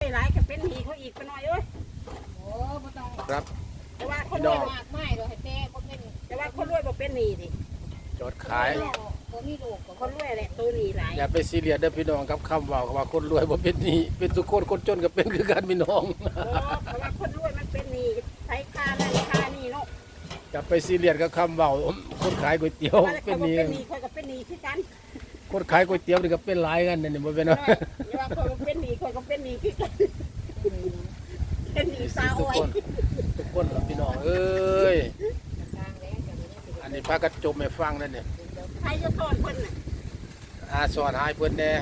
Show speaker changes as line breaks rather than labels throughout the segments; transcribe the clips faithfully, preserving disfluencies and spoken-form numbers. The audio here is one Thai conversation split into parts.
หลายก็เป็นหนี้เขาอีกไปหน่อยเอ้ยโอ้บ่ต้อง
ครับ
แต่ว่าคนรวยมากไม่เลยให้แต่บ่เป็นแต่ว่าคนรวยบ่เป็นหนี้ดิ
จดขาย
บ่มีลูกคนรวยแหละตัวหนี้หลาย
อย่าไปซีเรียสเด้อพี่น้องครับคำว่าว่าคนรวยบ่เป็นหนี้เป็นทุกคนคนจนก็เป็นคือกันพี่น้อง
โอ้เพราะว่าคนรวยมันเป็นหนี้ใช้ค่านั่นค่านี่เนาะ
อย่าไปซีเรียสกับคำเว้าคนขายก๋วยเตี๋ยวเป็นหนี้
เป็นหนี้คนก็เป็นหนี้คือกัน
คนขายก๋วยเตี๋ยวนี่ก็เป็นหลายกันนี่บ่เป็นเนาะ
อย่าว่าคนเป็นหนี้คนก็เป็นหนี้คือกันเป็นหนี้สาวอ้อย
ทุกคนล่ะพี่น้องเอ้ยอันนี้พากันจมให้ฟังนั่นเนี่ย
ใครจะสอนเพิ่นน่ะ
อาสอนให้เพิ่นแน่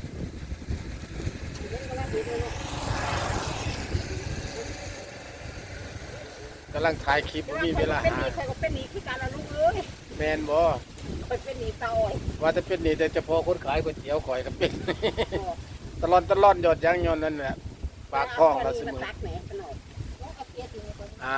กำลังถ่ายคลิปบ่มีเวลาหา
ใครก็เป็นหนี้คือกันล่ะลูกเอ้ย
แม่นบ่
ข่อยเป็นหนี้สาวอ้อย
ว่าจะเป็นหนี้แต่เฉพาะคนขายก๋วยเตี๋ยวข่อยก็เป็นตลอดตลอดยอดยังยอนนั่นแหละปากท้องเราเสมออ่า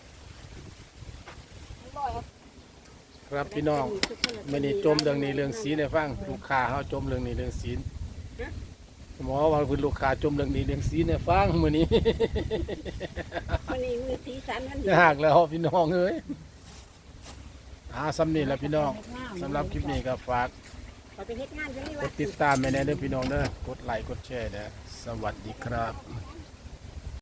ครับพี่น้องไม่นี่จมเรื่องนี้เรื่องสีในฟังลูกค้าเขาจมเรื่องนี้เรื่องสีหมอว่าคุณลูกค้าจมเรื่องนี้เรื่องสีในฟังมื้อนี้
มื้อนี้มีสีสันมัน
ยากแล้วพี่น้องเอ้ยอ่าสำนี้แหละพี่น้องสำหรับคลิปนี้ก็ฝากกดติดตามแม่แน่เด้อพี่น้องเด้อกดไลค์กดแชร์เด้อสวัสดีครับ